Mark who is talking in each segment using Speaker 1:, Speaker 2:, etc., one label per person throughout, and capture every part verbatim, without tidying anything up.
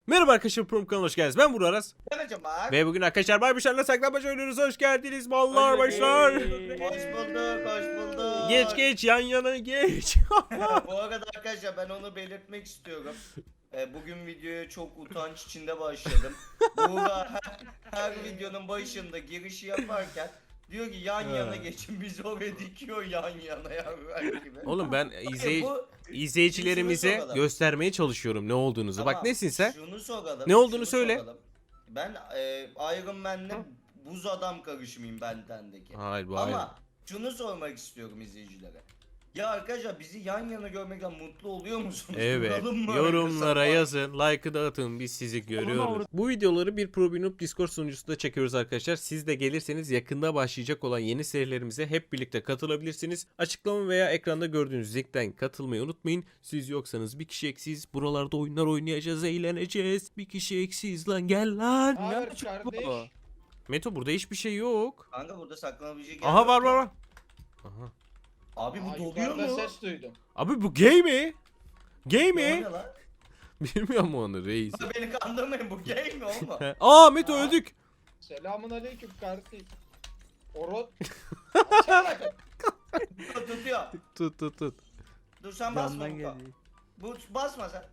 Speaker 1: Merhaba arkadaşlar, Prom kanalına hoş geldiniz. Ben Burak Aras.
Speaker 2: Bakacağım bak.
Speaker 1: Ve bugün arkadaşlar Barbişler'le saklambaç oynuyoruz. Hoş geldiniz mallar başlar.
Speaker 2: Hoş bulduk, hoş bulduk.
Speaker 1: Geç geç yan yana geç.
Speaker 2: Bu arada arkadaşlar ben onu belirtmek istiyorum. Ee, bugün videoya çok utanç içinde başladım. Buğra her, her videonun başında girişi yaparken diyor ki yan yana geçin, biz oraya dikiyor yan yana yavrular gibi.
Speaker 1: Oğlum ben izley
Speaker 2: Bu-
Speaker 1: izleyicilerimize
Speaker 2: Şunu soralım.
Speaker 1: göstermeye çalışıyorum ne olduğunuzu. Bak
Speaker 2: Tamam,
Speaker 1: nesin sen?
Speaker 2: Şunu soralım.
Speaker 1: Ne olduğunu
Speaker 2: şunu
Speaker 1: söyle.
Speaker 2: soralım. Ben e, Iron Man'le buz adam karışımıyım bendendeki.
Speaker 1: Hayır bu
Speaker 2: Ama
Speaker 1: ayrı.
Speaker 2: şunu sormak istiyorum izleyicilere. Ya arkadaşlar bizi yan yana görmekten mutlu oluyor musunuz?
Speaker 1: Evet.
Speaker 2: Duralım mı?
Speaker 1: Yorumlara
Speaker 2: Kısa-
Speaker 1: yazın. Like'ı da atın. Biz sizi görüyoruz. Bu videoları bir Probinup Discord sunucusunda çekiyoruz arkadaşlar. Siz de gelirseniz yakında başlayacak olan yeni serilerimize hep birlikte katılabilirsiniz. Açıklama veya ekranda gördüğünüz linkten katılmayı unutmayın. Siz yoksanız bir kişi eksiyiz. Buralarda oyunlar oynayacağız, eğleneceğiz. Bir kişi eksiyiz lan, gel lan.
Speaker 3: Hayır kardeş.
Speaker 1: Meto burada hiçbir şey yok.
Speaker 2: Kanka burada saklanabilecek yer
Speaker 1: Aha
Speaker 2: yok
Speaker 1: var
Speaker 2: ki.
Speaker 1: var var. Aha.
Speaker 2: Abi bu
Speaker 3: Aa,
Speaker 2: doluyor
Speaker 3: yukarıda
Speaker 2: mu?
Speaker 3: ses duydum.
Speaker 1: Abi bu gay mi? Gay
Speaker 2: Ne
Speaker 1: mi?
Speaker 2: lan?
Speaker 1: Bilmiyor mu onu reis?
Speaker 2: Beni kandırmayın, bu gay mi o mu?
Speaker 1: Aa Meto
Speaker 2: Aa.
Speaker 1: öldük.
Speaker 3: Selamun aleyküm kardeş. Orot. Açsana.
Speaker 2: Tutuyor.
Speaker 1: Tut tut tut.
Speaker 2: Dur sen basma bu. Bu basma sen.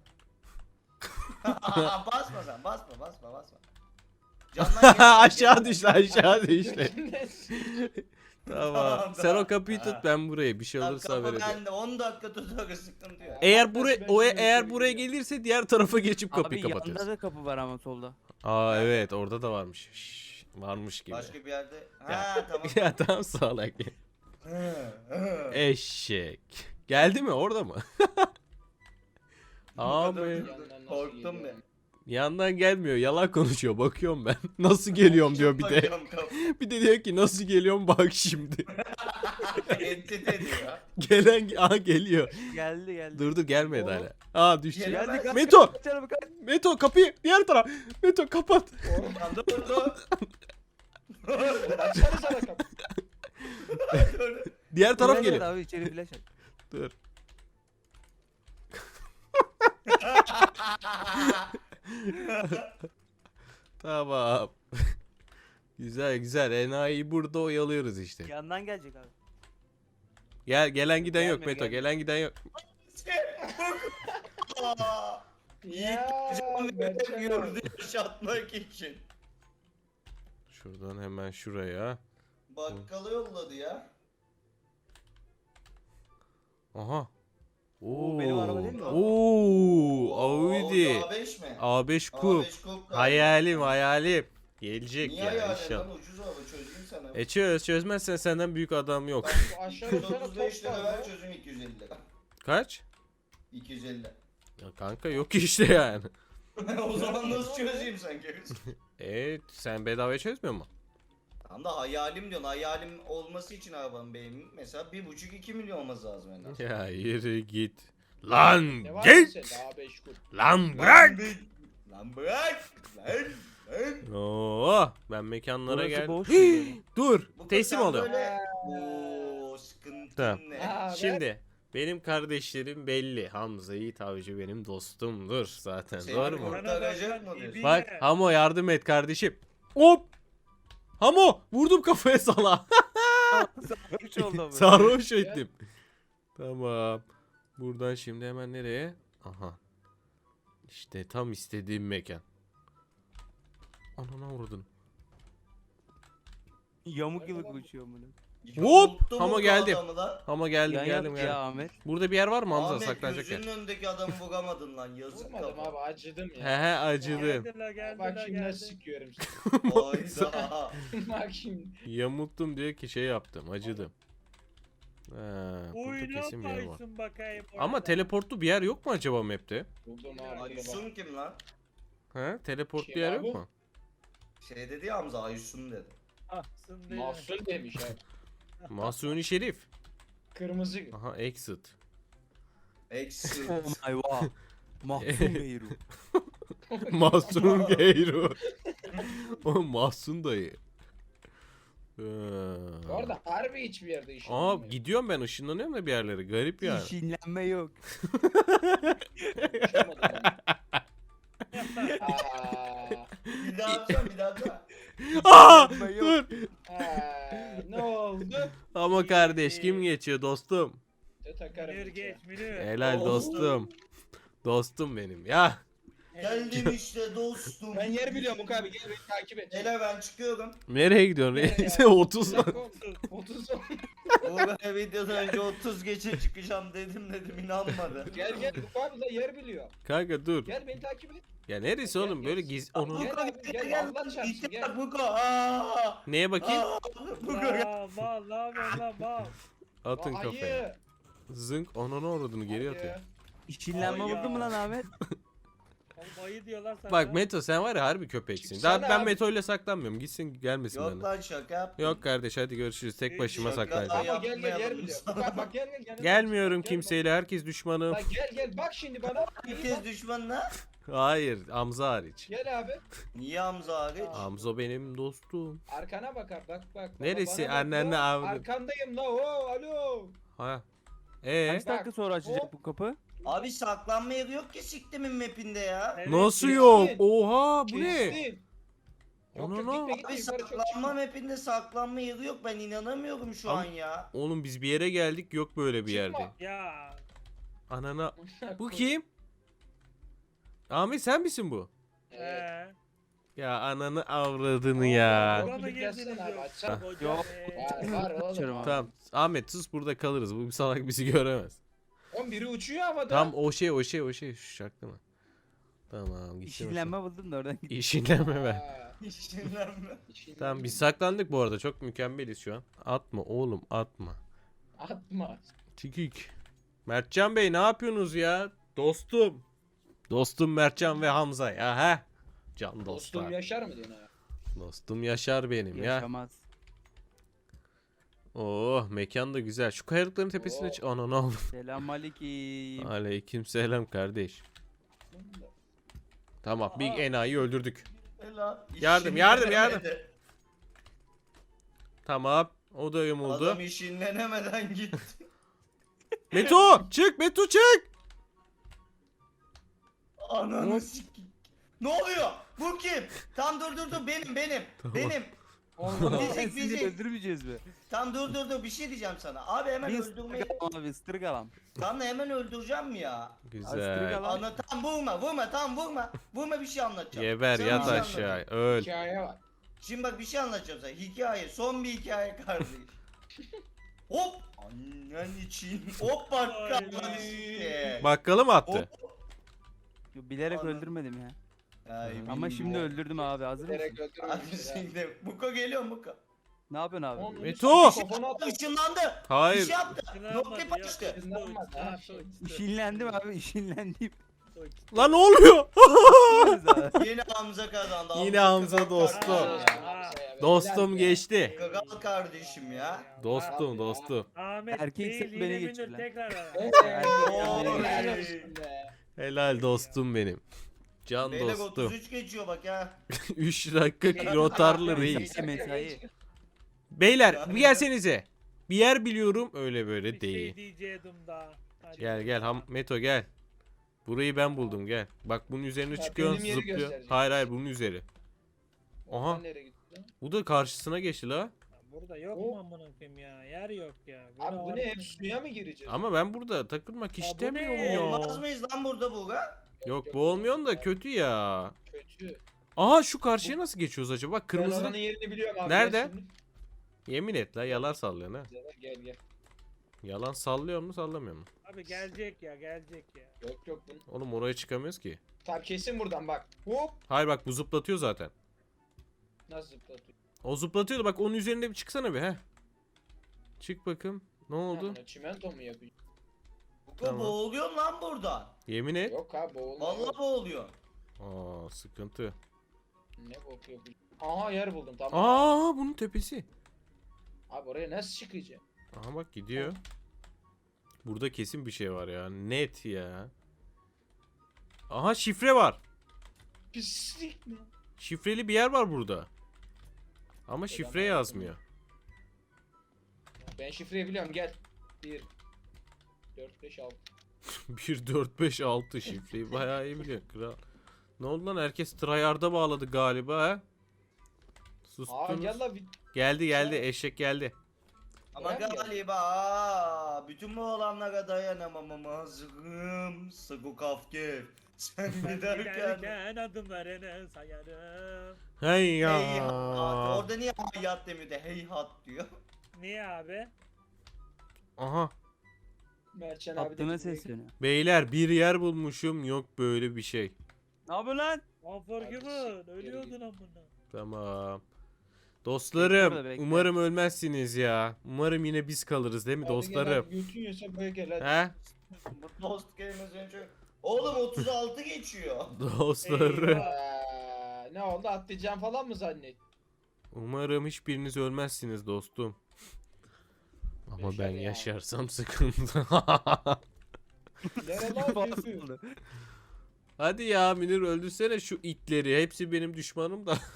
Speaker 2: basma sen, basma basma basma. Candan gel-
Speaker 1: Aşağı düştü aşağı düştü. Tamam.
Speaker 2: Tamam,
Speaker 1: Sen
Speaker 2: tamam.
Speaker 1: o kapıyı tut,
Speaker 2: Ha.
Speaker 1: ben buraya bir şey
Speaker 2: Lan
Speaker 1: olursa
Speaker 2: kapı
Speaker 1: haber edeyim.
Speaker 2: bende, on dakika tutuyor, sıkıntı yok.
Speaker 1: Eğer
Speaker 3: Ben
Speaker 1: buraya
Speaker 3: şimdi
Speaker 1: o
Speaker 3: şuraya
Speaker 1: eğer
Speaker 3: şöyle
Speaker 1: buraya
Speaker 3: gidiyorum.
Speaker 1: gelirse diğer tarafa geçip kapıyı
Speaker 4: Abi
Speaker 1: kapatıyoruz.
Speaker 4: yanında da kapı var ama solda.
Speaker 1: Aa evet, orada da varmış. Şşş, varmış gibi.
Speaker 2: Başka bir yerde. Ha tamam.
Speaker 1: Ya tamam salak. Eşek. Geldi mi, orada mı? Abi
Speaker 3: Yandan nasıl
Speaker 2: Korktum
Speaker 3: geliyor?
Speaker 2: ben.
Speaker 1: yandan gelmiyor, yalan konuşuyor, bakıyorum ben. Nasıl geliyorum diyor bir de.
Speaker 2: Bakıyorum kapı.
Speaker 1: Bir de diyor ki nasıl geliyorum bak şimdi.
Speaker 2: Entite diyor.
Speaker 1: Gelen aha geliyor.
Speaker 4: Geldi geldi.
Speaker 1: Dur dur gelmedi
Speaker 2: Oğlum.
Speaker 1: hala. Aa düştü.
Speaker 2: Gel-
Speaker 4: Geldi kanka.
Speaker 1: Meto!
Speaker 4: Canım kanka.
Speaker 1: Meto kapıyı diğer taraf. Meto kapat.
Speaker 2: Lan dur dur.
Speaker 3: Açsana sana kapı.
Speaker 2: Dur.
Speaker 1: Diğer taraf
Speaker 4: Flash at
Speaker 1: geliyor.
Speaker 4: Abi içeri flash at.
Speaker 1: Dur. Tamam. Güzel güzel. Enayi burada oyalıyoruz işte.
Speaker 4: Yandan gelecek abi.
Speaker 1: Gel gelen giden yok
Speaker 4: Gelmiyor,
Speaker 1: Meto.
Speaker 4: gelmiyor.
Speaker 1: Gelen giden yok.
Speaker 2: Aa,
Speaker 3: Ya,
Speaker 2: İlk
Speaker 3: Berçem
Speaker 2: gördü yaşatmak için.
Speaker 1: Şuradan hemen şuraya.
Speaker 2: Bakkala yolladı ya.
Speaker 1: Aha.
Speaker 4: Oo, benim araba değil mi o?
Speaker 1: Oo, Audi.
Speaker 2: A beş mi?
Speaker 1: A beş
Speaker 2: A
Speaker 1: Coupe.
Speaker 2: beş Coupe galiba.
Speaker 1: Hayalim hayalim. Gelecek
Speaker 2: Niye
Speaker 1: ya
Speaker 2: hayal
Speaker 1: inşallah.
Speaker 2: lan, ucuz araba çözeyim sana.
Speaker 1: E çöz, çözmezsen senden büyük adam yok.
Speaker 2: Bak,
Speaker 3: Bu aşağı yukarı
Speaker 2: otuz beş
Speaker 3: top
Speaker 2: lira
Speaker 3: var
Speaker 2: ver
Speaker 3: ya.
Speaker 2: çözüm iki yüz elli lira.
Speaker 1: Kaç?
Speaker 2: iki yüz elli.
Speaker 1: Ya kanka yok ki işte yani.
Speaker 2: O zaman nasıl çözeyim sen görürsün.
Speaker 1: Evet, sen bedavaya çözmüyor mu?
Speaker 2: Tam da hayalim diyorsun. Hayalim olması için arabanın benim mesela bir buçuk iki milyon olması lazım en az.
Speaker 1: Ya yürü git. Lan
Speaker 3: Ne var
Speaker 1: git.
Speaker 3: sende A beş kup?
Speaker 1: Lan bırak.
Speaker 2: Lan bırak. Lan. Lan.
Speaker 1: Oo, ben mekanlara
Speaker 4: Burası
Speaker 1: geldim.
Speaker 4: boş mu?
Speaker 1: Dur,
Speaker 2: Bu
Speaker 1: teslim
Speaker 2: sen
Speaker 1: oluyorum.
Speaker 2: böyle- Oo sıkıntı
Speaker 1: Tamam.
Speaker 2: ne?
Speaker 3: Ha, ben-
Speaker 1: Şimdi benim kardeşlerim belli. Hamza Yiğit Avcı benim dostumdur zaten.
Speaker 2: Seni
Speaker 1: Doğru mu?
Speaker 2: kurtaracak mı diyorsun?
Speaker 1: Bak Hamo yardım et kardeşim. Hop. Hamo vurdum kafaya sala.
Speaker 4: Üç oldu ama.
Speaker 1: Sarhoş ettim. Tamam. Buradan şimdi hemen nereye? Aha. İşte tam istediğim mekan. Anana vurdun.
Speaker 4: Yamuk gibi koşuyor bunu.
Speaker 1: Hop!
Speaker 2: Yamulttu
Speaker 1: Ama
Speaker 2: mu bu
Speaker 1: geldim.
Speaker 2: adamı lan?
Speaker 1: Ama geldim
Speaker 4: Yan
Speaker 1: geldim
Speaker 4: yap
Speaker 1: geldim.
Speaker 4: ya Ahmet.
Speaker 1: Burada bir yer var mı Hamza,
Speaker 2: Ahmet
Speaker 1: saklanacak yer?
Speaker 2: gözünün önündeki adamı vuramadın lan, yazık
Speaker 3: Vurmadım
Speaker 2: kafa.
Speaker 3: abi acıdım
Speaker 1: He
Speaker 3: ya.
Speaker 1: he acıdım.
Speaker 3: Bak şimdi nasıl sıkıyorum seni.
Speaker 2: Hayda.
Speaker 3: Bak şimdi.
Speaker 1: Yamulttum diyor ki şey yaptım, acıdım. Ha, burada kesin bir yer var.
Speaker 5: Oynamayısın bakayım.
Speaker 1: Ama teleportlu bir yer yok mu acaba map'te?
Speaker 3: Buldum abi. burada
Speaker 2: Aysun kim lan?
Speaker 1: Ha, teleportlu
Speaker 3: Kim
Speaker 1: yer
Speaker 3: abi?
Speaker 1: yok mu?
Speaker 2: Şey dedi ya Hamza, Aysun dedi.
Speaker 3: bak. Mahsun demiş abi.
Speaker 1: Masuni Şerif.
Speaker 3: Kırmızı.
Speaker 1: Aha exit.
Speaker 2: Exit.
Speaker 4: Oh my wow. Mahzun Beyru.
Speaker 1: Mahsun Geyru. O Mahsun dayı. Ee,
Speaker 3: Bu arada harbi hiçbir yerde işin
Speaker 1: Aa
Speaker 3: olmuyor.
Speaker 1: gidiyorum ben, ışınlanıyorum da bir yerlere, garip yani.
Speaker 4: İşinlenme yok.
Speaker 3: Uçamadım ben. Aa,
Speaker 2: Bir daha yapsam bir daha yapsam.
Speaker 1: Aa,
Speaker 4: Ben yok.
Speaker 1: dur.
Speaker 3: aa, ne oldu?
Speaker 1: Ama kardeş kim geçiyor dostum?
Speaker 3: De takarım.
Speaker 5: Münir
Speaker 3: bir
Speaker 5: geç
Speaker 3: kere.
Speaker 5: Münir.
Speaker 1: Helal
Speaker 2: Dostum.
Speaker 1: dostum. Dostum benim ya.
Speaker 2: Geldim işte dostum.
Speaker 3: Ben yer biliyorum Uk abi, gel beni takip et.
Speaker 2: Hele ben çıkıyorum.
Speaker 1: Nereye gidiyorsun?
Speaker 3: Nereye
Speaker 1: reis?
Speaker 3: ya?
Speaker 1: otuz
Speaker 3: Bir
Speaker 1: mu?
Speaker 3: dakika oldu. otuz oldu.
Speaker 2: Bu videodan önce otuz geçe çıkacağım dedim dedim inanmadı.
Speaker 3: Gel gel Uk abi da yer biliyor.
Speaker 1: Kanka dur.
Speaker 3: Gel beni takip et.
Speaker 1: Ya neresi oğlum böyle giz onu.
Speaker 3: Gel abi, gel,
Speaker 2: gel
Speaker 3: Allah çarpsın,
Speaker 2: İşte
Speaker 3: gel.
Speaker 2: bak Buko. Aa,
Speaker 1: Neye bakayım?
Speaker 2: aa, Buko gel.
Speaker 5: Aa, mal ne yapıyorsun lan mal.
Speaker 1: Atın
Speaker 3: Ayı.
Speaker 1: kafaya. Zınk onunu uğradığını geri
Speaker 3: Ayı.
Speaker 1: atıyor.
Speaker 4: İşinlenme
Speaker 5: Ay ya.
Speaker 4: vurdun mu lan Ahmet?
Speaker 5: Oğlum ayı diyorlar sana.
Speaker 1: Bak Meto sen var ya harbi köpeksin.
Speaker 3: Çıksana
Speaker 1: Daha ben
Speaker 3: abi.
Speaker 1: Meto ile saklanmıyorum. Gitsin gelmesin
Speaker 2: Yok
Speaker 1: bana.
Speaker 2: lan şaka yaptım.
Speaker 1: Yok kardeş hadi görüşürüz. Tek başıma
Speaker 2: Şaka
Speaker 1: saklanacağım.
Speaker 3: Ama gel gel yer
Speaker 2: Yapmayalım
Speaker 3: biliyor.
Speaker 2: sana.
Speaker 3: Bak bak gel gel. gel.
Speaker 1: Gelmiyorum
Speaker 3: Gel,
Speaker 1: kimseyle. Herkes düşmanım.
Speaker 3: Bak gel gel bak şimdi bana.
Speaker 2: Herkes düşmanla.
Speaker 1: Hayır, Hamza hariç.
Speaker 3: Gel abi.
Speaker 2: Niye Hamza hariç?
Speaker 1: Hamza benim dostum.
Speaker 3: Arkana bakar bak bak. baba,
Speaker 1: Neresi?
Speaker 3: bana bak,
Speaker 1: Annenle
Speaker 3: o,
Speaker 1: avradın.
Speaker 3: Arkandayım la o alo.
Speaker 1: Ha. Ee,
Speaker 4: Kaç dakika sonra açacak
Speaker 3: Hop.
Speaker 4: bu kapı?
Speaker 2: Abi saklanma yeri yok ki siktimin mapinde ya.
Speaker 5: Evet,
Speaker 1: nasıl
Speaker 3: kesin.
Speaker 1: yok? Oha bu ne?
Speaker 3: Kestin. Yok
Speaker 1: Onu
Speaker 3: yok
Speaker 1: ne?
Speaker 3: gitme
Speaker 2: Abi
Speaker 3: gitme yukarı çok
Speaker 2: saklanma
Speaker 3: çıkma.
Speaker 2: mapinde saklanma yeri yok ben inanamıyorum şu
Speaker 1: Ama-
Speaker 2: an ya.
Speaker 1: Oğlum biz bir yere geldik yok böyle bir
Speaker 3: Çıkma.
Speaker 1: yerde.
Speaker 5: Ya.
Speaker 1: Anana. Bu kim? Ahmet sen misin bu?
Speaker 3: Evet.
Speaker 5: Ee.
Speaker 1: Ya ananı avradını ya.
Speaker 5: Buna mı
Speaker 3: Gidip gelsene
Speaker 5: girdiniz
Speaker 3: abi,
Speaker 5: yok?
Speaker 3: açsana.
Speaker 5: Hocam,
Speaker 4: Yok.
Speaker 5: ee,
Speaker 3: Var var oğlum.
Speaker 4: Açarım abi.
Speaker 1: Tamam. Ahmet sus burada kalırız. Bu salak bizi göremez.
Speaker 3: Oğlum biri uçuyor havada.
Speaker 1: Tam o şey o şey o şey şu şarkı mı? Tamam gitti.
Speaker 4: İşinlenme buldum da oradan git.
Speaker 1: İşinlenme be.
Speaker 3: Aa,
Speaker 2: İşinlenme.
Speaker 3: işin-
Speaker 1: Tamam biz saklandık bu arada. Çok mükemmeliz şu an. Atma oğlum atma.
Speaker 3: Atma.
Speaker 1: Tikik. Mertcan Bey ne yapıyorsunuz ya? Dostum. Dostum Mertcan ve Hamza ya ha? Can
Speaker 3: Dostum
Speaker 1: dostlar.
Speaker 3: yaşar mı diyorsun ha?
Speaker 1: Dostum Yaşar benim ya.
Speaker 4: Yaşamaz.
Speaker 1: Oh mekan da güzel. Şu kayalıkların tepesine
Speaker 3: Oo.
Speaker 1: çık. Ana ne oldu?
Speaker 4: Selamünaleyküm.
Speaker 1: Aleyküm selam kardeş. Tamam bir enayi öldürdük.
Speaker 2: Helal.
Speaker 1: Yardım, yardım, yardım.
Speaker 2: İşinlenemedi.
Speaker 1: Tamam. O da yumuldu.
Speaker 2: Adam işinlenemeden gitti.
Speaker 1: Meto çık Meto çık.
Speaker 2: Ananı sik. Ne oluyor? Bu kim? Tam dur dur dur benim benim. Benim.
Speaker 3: Allah.
Speaker 2: Bizi-
Speaker 4: Sizi
Speaker 2: bizi-
Speaker 4: öldürmeyeceğiz mi?
Speaker 2: Tam dur dur dur bir şey diyeceğim sana. Abi hemen
Speaker 4: Bir
Speaker 2: öldürmeyi.
Speaker 4: ıstırık alalım abi ıstırık alalım.
Speaker 2: Tam da hemen öldüreceğim mi ya?
Speaker 1: Güzel.
Speaker 4: Lan.
Speaker 2: Ana tam vurma vurma tam vurma. Vurma bir şey anlatacağım.
Speaker 1: Geber
Speaker 2: Sana
Speaker 1: yat
Speaker 2: bir şey
Speaker 1: aşağı.
Speaker 2: anlatacağım.
Speaker 1: Öl.
Speaker 3: Hikaye var.
Speaker 2: Şimdi bak bir şey anlatacağım sana. Hikaye. Son bir hikaye kardeş. Hop. Annen için. Hop bak
Speaker 5: Ay.
Speaker 2: kalmadı sikti.
Speaker 1: Bakkalı mı attı?
Speaker 4: Yo, bilerek
Speaker 2: Anladım.
Speaker 4: öldürmedim ya.
Speaker 2: Ay,
Speaker 4: Ama
Speaker 2: bilmiyorum.
Speaker 4: şimdi öldürdüm abi hazır
Speaker 3: Direkt
Speaker 4: mısın?
Speaker 2: Abi
Speaker 3: öldürmemiştir ha.
Speaker 2: şimdi Buko geliyor Buko.
Speaker 4: Ne yapıyorsun abi?
Speaker 3: Onun
Speaker 1: Meto!
Speaker 3: üstüne kafana at.
Speaker 2: Işınlandı. Bir
Speaker 1: Hayır.
Speaker 2: şey yaptı.
Speaker 5: İşinlenmedi,
Speaker 2: Nokta
Speaker 5: yok,
Speaker 2: açtı.
Speaker 3: İşinlenmedi, ha,
Speaker 5: uçtu,
Speaker 3: şey.
Speaker 5: uçtu.
Speaker 4: İşinlendim abi işinlendim.
Speaker 5: Uçtu.
Speaker 1: Lan ne oluyor?
Speaker 4: Yaparız abi.
Speaker 2: Yine Hamza kazandı.
Speaker 1: Yine Hamza
Speaker 2: kral
Speaker 1: dostum.
Speaker 2: kardeşim.
Speaker 3: Aa,
Speaker 1: Dostum
Speaker 3: helal be.
Speaker 1: geçti.
Speaker 2: Kral kardeşim ya.
Speaker 1: Dostum dostum.
Speaker 5: Ahmet
Speaker 4: Erkek
Speaker 5: değil
Speaker 4: sen
Speaker 5: yine
Speaker 4: beni
Speaker 5: Münir
Speaker 4: geçir lan.
Speaker 5: tekrar ara.
Speaker 3: Evet,
Speaker 2: Oy.
Speaker 3: helal olsun be.
Speaker 1: Helal dostum benim. Can
Speaker 2: Beyler
Speaker 1: dostum.
Speaker 2: otuz üç geçiyor bak ha.
Speaker 1: üç dakika rotarlı reis.
Speaker 4: Mesai.
Speaker 1: Beyler bir gelsenize. Bir yer biliyorum öyle böyle
Speaker 5: Bir şey
Speaker 1: değil.
Speaker 5: diyecektim daha. Hadi.
Speaker 1: Gel gel Ham Meto gel. Burayı ben buldum gel. Bak bunun üzerine
Speaker 3: Ya,
Speaker 1: çıkıyorsun
Speaker 3: benim yeri
Speaker 1: zıplıyor.
Speaker 3: gösterecek.
Speaker 1: Hayır hayır bunun üzeri. Aha.
Speaker 3: Sen nereye gittin?
Speaker 1: Bu da karşısına geçti la.
Speaker 5: Burada yok
Speaker 3: O-
Speaker 5: mu amına koyayım ya? Yer yok ya.
Speaker 3: Abi bu
Speaker 5: Böyle
Speaker 3: ne hep
Speaker 5: var-
Speaker 3: suya mı gireceğiz?
Speaker 1: Ama ben burada takılmak
Speaker 5: bu
Speaker 1: istemiyorum
Speaker 5: ne?
Speaker 1: ya.
Speaker 2: Olmaz mıyız lan burada Buğra?
Speaker 1: Yok bu olmuyor da kötü ya.
Speaker 3: Kötü.
Speaker 1: Aha şu karşıya nasıl geçiyoruz acaba? Bak
Speaker 3: Ben
Speaker 1: kırmızı.
Speaker 3: oranın yerini biliyorum abi.
Speaker 1: Nerede?
Speaker 3: Gel şimdi.
Speaker 1: Yemin et la yalan sallıyorsun ha.
Speaker 3: Gel gel.
Speaker 1: Yalan sallıyor mu sallamıyor mu?
Speaker 5: Abi gelecek ya gelecek ya.
Speaker 3: Yok yok. Bunu...
Speaker 1: Oğlum oraya çıkamıyoruz ki.
Speaker 3: Tamam kesin buradan bak. Hop.
Speaker 1: Hayır bak bu zıplatıyor zaten.
Speaker 3: Nasıl zıplatıyor?
Speaker 1: O zıplatıyordu bak onun üzerinde bir çıksana bir he. Çık bakayım. Ne oldu?
Speaker 3: Ha, çimento mu yapıyor?
Speaker 2: Buko
Speaker 1: Tamam.
Speaker 2: boğuluyor lan buradan.
Speaker 1: Yemin et.
Speaker 3: Yok abi boğulma.
Speaker 2: Vallahi
Speaker 3: yok.
Speaker 2: boğuluyor.
Speaker 1: Aa sıkıntı.
Speaker 3: Ne kokuyor bu? Aha yer buldum tamam.
Speaker 1: Aa bunun tepesi.
Speaker 3: Abi oraya nasıl çıkacağım?
Speaker 1: Aha bak gidiyor. Burada kesin bir şey var ya. Net ya. Aha şifre var.
Speaker 3: Pislik mi?
Speaker 1: Şifreli bir yer var burada. Ama şifre
Speaker 3: ben
Speaker 1: yazmıyor.
Speaker 3: Ben şifreyi biliyorum gel. bir dört beş altı.
Speaker 1: bir dört beş altı şifreyi bayağı iyi biliyor kral. Ne oldu lan? Herkes tryhard'a bağladı galiba ha?
Speaker 3: Aa
Speaker 1: Sustunuz.
Speaker 3: gel la bir
Speaker 1: Geldi geldi eşek geldi.
Speaker 2: Ama
Speaker 3: Ulan ya.
Speaker 2: galiba aa, bütün bu olanlara dayanamam ama hazırım. Sıkı kafke. Sen giderken.
Speaker 5: Giderken adımlarını sayarım.
Speaker 1: Hey ya.
Speaker 2: Hey hat. Orada niye hayat demiyor da hey hat diyor.
Speaker 5: Niye abi?
Speaker 1: Aha.
Speaker 3: Mertcan abi de
Speaker 4: Attığına
Speaker 3: bizi-
Speaker 4: sesleniyor.
Speaker 1: Beyler bir yer bulmuşum. Yok böyle bir şey.
Speaker 4: Ne yapıyorsun lan?
Speaker 5: Unforgiven. Ölüyordun amına.
Speaker 1: Tamam.
Speaker 4: Bekle
Speaker 1: Dostlarım
Speaker 4: burada, bekle.
Speaker 1: umarım ölmezsiniz ya. Umarım yine biz kalırız değil mi
Speaker 3: Hadi gel
Speaker 1: dostlarım?
Speaker 3: abi, götün yiyorsa böyle gel hadi.
Speaker 1: He?
Speaker 2: Bu Dost kelimesi önce. Oğlum otuz altı geçiyor.
Speaker 1: Dostlarım.
Speaker 5: Eyvah.
Speaker 3: Aa, ne oldu atlayacağım falan mı zannet?
Speaker 1: Umarım hiçbiriniz ölmezsiniz dostum. Ama
Speaker 3: Yaşar
Speaker 1: ben
Speaker 3: ya.
Speaker 1: yaşarsam sıkıntı.
Speaker 3: Nere lan götü?
Speaker 4: Oldu.
Speaker 1: Hadi ya Münir öldürsene şu itleri. Hepsi benim düşmanım da.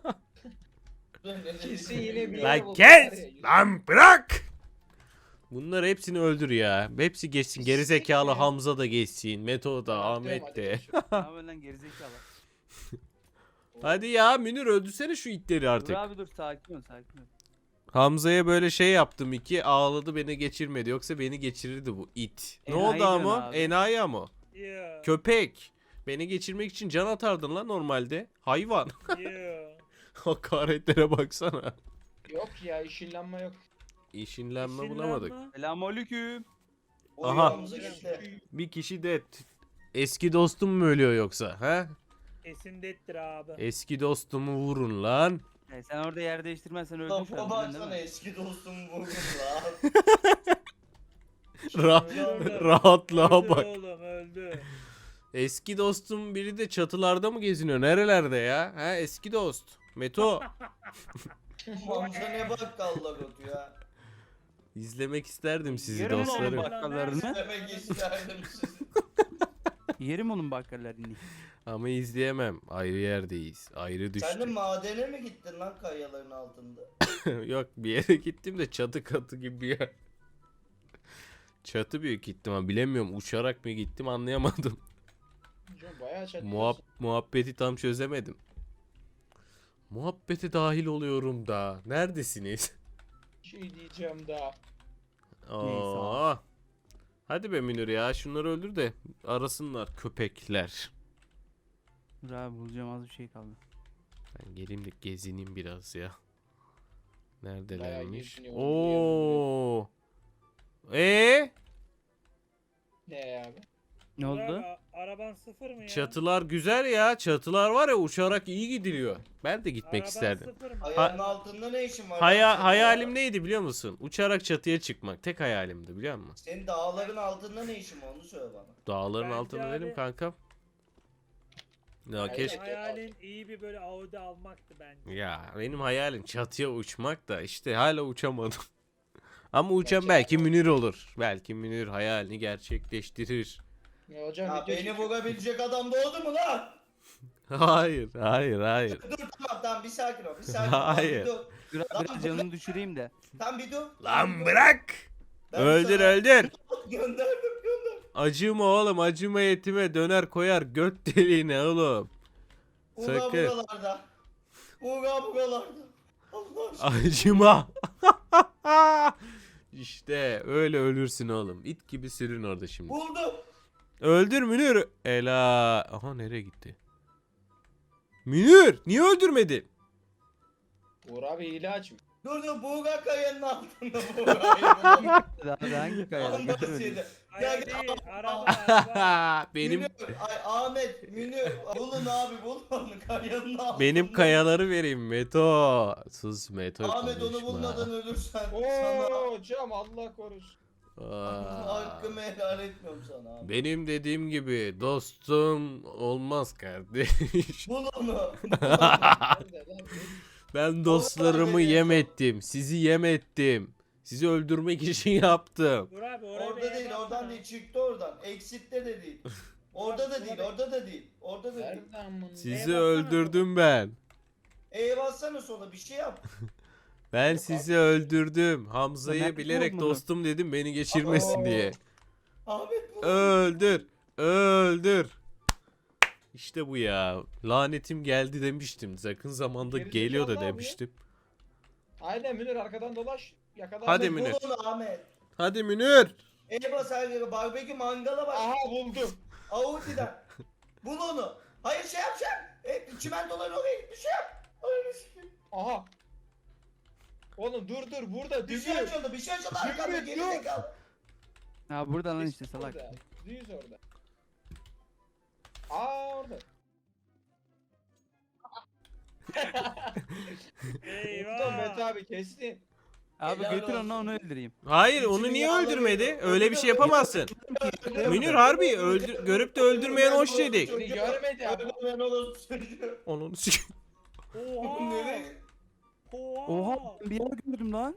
Speaker 3: Kesin yine bir-
Speaker 1: Lan kes! Lan bırak! Bunları hepsini öldür ya. Hepsi geçsin. Gerizekalı
Speaker 3: Siktir ya.
Speaker 1: Hamza da geçsin. Meto da, Ahmet de.
Speaker 4: Ne yapıyorsun lan gerizekalı?
Speaker 1: Hadi ya Münir öldürsene şu itleri
Speaker 4: Dur
Speaker 1: artık.
Speaker 4: abi dur sakin ol sakin ol.
Speaker 1: Hamza'ya böyle şey yaptım iki ağladı beni geçirmedi. Yoksa beni geçirirdi bu it. Ne
Speaker 4: Enayi
Speaker 1: oldu
Speaker 4: diyorsun
Speaker 1: ama?
Speaker 4: abi.
Speaker 1: Enayi ama.
Speaker 5: Yo.
Speaker 1: Köpek. Beni geçirmek için can atardın lan normalde. Hayvan.
Speaker 5: Yo.
Speaker 1: Hakaretlere baksana.
Speaker 3: Yok ya işinlenme yok.
Speaker 1: İşinlenme bulamadık.
Speaker 5: Sinirlenme.
Speaker 4: Selamünaleyküm.
Speaker 1: Aha.
Speaker 2: Uyumamıza gitti.
Speaker 1: Bir kişi de t- eski dostum mu ölüyor yoksa? He?
Speaker 5: Kesindettir abi.
Speaker 1: Eski dostumu vurun lan.
Speaker 4: E, sen orada yer değiştirmezsen öldün şu
Speaker 2: Topa
Speaker 4: an. biliyorsun
Speaker 2: baksana
Speaker 4: değil mi?
Speaker 2: eski dostum vurdum lan.
Speaker 1: Ra-
Speaker 5: Öldü.
Speaker 1: rahatlığa
Speaker 5: Öldü
Speaker 1: bak.
Speaker 5: oğlum öldü.
Speaker 1: Eski dostum biri de çatılarda mı geziniyor? Nerelerde ya? Ha eski dost. Meto.
Speaker 2: Hamza ne bakkallar otu ya.
Speaker 1: İzlemek isterdim sizi
Speaker 4: Yerim oğlum
Speaker 1: dostlarım.
Speaker 4: bakkallarını.
Speaker 2: Demek isterdim sizi.
Speaker 4: Yerim onun bakkallarını.
Speaker 1: Ama izleyemem. Ayrı yerdeyiz. Ayrı
Speaker 2: Sen de
Speaker 1: düştük.
Speaker 2: madene mi gittin lan kayaların altında?
Speaker 1: Yok bir yere gittim de çatı katı gibi bir yer. Çatı büyük gittim ama bilemiyorum uçarak mı gittim anlayamadım.
Speaker 3: Hocam bayağı çatıyorsun.
Speaker 1: Muhab muhabbeti tam çözemedim. Muhabbete dahil oluyorum da. Neredesiniz?
Speaker 3: Şey diyeceğim daha.
Speaker 1: Aa. Hadi be Münir ya şunları öldür de arasınlar köpekler.
Speaker 4: Dur abi bulacağım az bir şey kaldı.
Speaker 1: Ben geleyim de gezineyim biraz ya. Neredelermiş?
Speaker 3: geziniyorum,
Speaker 1: Oo. E
Speaker 3: Ne abi?
Speaker 4: Ne
Speaker 5: Burak,
Speaker 4: oldu?
Speaker 5: a- araban sıfır mı ya?
Speaker 1: çatılar güzel ya. Çatılar var ya uçarak iyi gidiliyor. Ben de gitmek
Speaker 5: Araban
Speaker 1: isterdim.
Speaker 5: sıfır mı?
Speaker 2: Ayağının altında ne işin var?
Speaker 1: Haya,
Speaker 2: lan senin
Speaker 1: hayalim
Speaker 2: ya?
Speaker 1: neydi biliyor musun? Uçarak çatıya çıkmak. Tek hayalimdi biliyor musun?
Speaker 2: Senin dağların altında ne işin var onu söyle bana.
Speaker 1: Dağların
Speaker 5: Bence
Speaker 1: altında
Speaker 5: abi-
Speaker 1: dedim kankam. Ya
Speaker 3: Hayır.
Speaker 1: keşke.
Speaker 5: Hayalin iyi bir böyle Audi almaktı bence.
Speaker 1: Ya benim hayalim çatıya uçmak da işte hala uçamadım. Ama uçan
Speaker 3: Gerçi
Speaker 1: belki
Speaker 3: abi-
Speaker 1: Münir olur. Belki Münir hayalini gerçekleştirir.
Speaker 3: Ya hocam
Speaker 2: Ya
Speaker 3: video
Speaker 2: beni
Speaker 3: çekiyor.
Speaker 2: vurabilecek adam doğdu mu lan?
Speaker 1: Hayır, hayır, hayır.
Speaker 2: Dur tamam tamam bir sakin ol bir sakin ol.
Speaker 1: Hayır.
Speaker 2: Dur.
Speaker 4: Dur abi biraz canını düşüreyim de.
Speaker 2: Tam bir dur.
Speaker 1: Lan bırak!
Speaker 2: Ben
Speaker 1: Öldür
Speaker 2: sana-
Speaker 1: öldür.
Speaker 2: Gönderdim gönder.
Speaker 1: Acıma oğlum acıma yetime döner koyar göt deliğine oğlum.
Speaker 2: Uğra
Speaker 1: Sakın.
Speaker 2: buralarda. Uğra buralarda. Allah aşkına.
Speaker 1: Acıma. İşte öyle ölürsün oğlum. İt gibi sürün orada şimdi.
Speaker 2: Buldum.
Speaker 1: Öldür Münir. Ela. Aha nereye gitti? Münir niye öldürmedin?
Speaker 3: Uğur abi hile açmış.
Speaker 2: Dur dur Buğra kayanın altında Buğra'yı buldum.
Speaker 4: Daha hangi kayada
Speaker 2: Ondan
Speaker 4: götürmedin?
Speaker 2: seni.
Speaker 5: Hayal
Speaker 2: Gel,
Speaker 5: değil, araba araba.
Speaker 1: benim
Speaker 2: Münir, ay, Ahmet, Münir, bulun abi bulun onu kayanın altında.
Speaker 1: benim kayaları vereyim Meto. Sus Meto
Speaker 2: Ahmet onu
Speaker 1: konuşma.
Speaker 2: bulmadan ölürsen
Speaker 3: Oo
Speaker 2: sana
Speaker 3: hocam Allah korusun.
Speaker 1: Aa.
Speaker 2: hakkımı helal etmiyorum sana abi.
Speaker 1: Benim dediğim gibi dostum olmaz kardeş.
Speaker 2: Bul onu.
Speaker 3: Nerede lan?
Speaker 1: Ben dostlarımı yem ettim. Sizi yem ettim. Sizi öldürmek için yaptım.
Speaker 5: Dur abi oraya
Speaker 2: Orada
Speaker 5: bir
Speaker 2: değil,
Speaker 5: yer
Speaker 2: oradan
Speaker 5: baksana.
Speaker 2: değil, çıktı oradan. Eksitte de değil. Orada da değil, orada da değil. Orada da değil.
Speaker 3: Nereden bunu?
Speaker 1: Sizi
Speaker 5: baksana
Speaker 1: öldürdüm ben.
Speaker 2: E'ye bassana sola bir şey yap.
Speaker 1: Ben
Speaker 3: Yok
Speaker 1: sizi öldürdüm. Hamza'yı
Speaker 4: Nerede
Speaker 1: bilerek
Speaker 4: oğlum bunu?
Speaker 1: dostum dedim beni geçirmesin
Speaker 2: Aa.
Speaker 1: diye.
Speaker 2: Ahmet bu.
Speaker 1: Öldür. Öldür. İşte bu ya. Lanetim geldi demiştim. Yakın zamanda
Speaker 3: Gerizekalı
Speaker 1: geliyor da
Speaker 3: abi.
Speaker 1: demiştim.
Speaker 3: Aynen Münir arkadan dolaş. Yakala.
Speaker 1: Hadi
Speaker 2: Ahmet,
Speaker 1: Münir.
Speaker 2: bul onu Ahmet.
Speaker 1: Hadi Münir.
Speaker 2: Eyvah her yere barbekü mangala bak.
Speaker 3: Aha buldum.
Speaker 2: Audi'den. Bul onu. Hayır şey yap şey yap. E, çimentoların oraya git bir şey yap. Öyle şey.
Speaker 3: Aha. Oğlum dur dur burada
Speaker 2: Bir şey
Speaker 3: düzü.
Speaker 2: açıldı bir şey açıldı
Speaker 3: Düzü,
Speaker 2: arkanda geri
Speaker 3: dur.
Speaker 2: zekalı.
Speaker 4: Ha burada lan işte
Speaker 3: Düz
Speaker 4: salak.
Speaker 3: orada. Düz orada. Aa orada. Vurdum Mete
Speaker 5: Eyvah.
Speaker 3: abi kestin.
Speaker 4: Abi
Speaker 2: Helal
Speaker 4: götür onu
Speaker 2: olsun.
Speaker 4: onu öldüreyim.
Speaker 1: Hayır
Speaker 2: İçini
Speaker 1: onu niye
Speaker 2: yağla
Speaker 1: öldürmedi?
Speaker 2: veriyor.
Speaker 1: Öyle bir şey yapamazsın. Münir harbi öldür görüp de öldürmeyen hoş dedik.
Speaker 3: Beni görmedi ama.
Speaker 2: Öldürmeyen orası çocuğu.
Speaker 1: Onun sik-
Speaker 5: Oha.
Speaker 2: Nereye?
Speaker 5: Oha.
Speaker 4: Oha ben bir yer gördüm lan.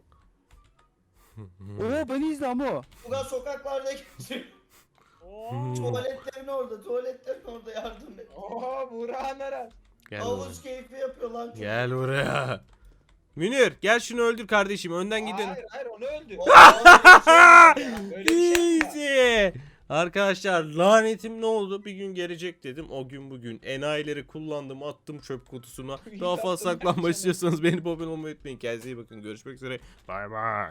Speaker 4: Oha beni izle ama.
Speaker 2: Ulan sokaklarda geçiyor.
Speaker 5: Oha.
Speaker 2: Tuvaletlerin orada, tuvaletlerin orada yardım et.
Speaker 3: Oha Burak'a nere?
Speaker 1: Gel buraya.
Speaker 2: Havuz keyfi yapıyor lan çocuk.
Speaker 1: Gel buraya. Münir gel şunu öldür kardeşim. Önden gidelim.
Speaker 3: Hayır hayır onu öldü.
Speaker 2: Aa,
Speaker 3: Böyle bir şey yapma.
Speaker 1: Easy. Arkadaşlar lanetim ne oldu? Bir gün gelecek dedim. O gün bugün. Enayileri kullandım. Attım çöp kutusuna. Daha fazla
Speaker 3: Yaptın,
Speaker 1: saklanma
Speaker 3: yapacağım.
Speaker 1: istiyorsanız beni abone olmayı unutmayın. Kendinize iyi bakın. Görüşmek üzere. Bay bay.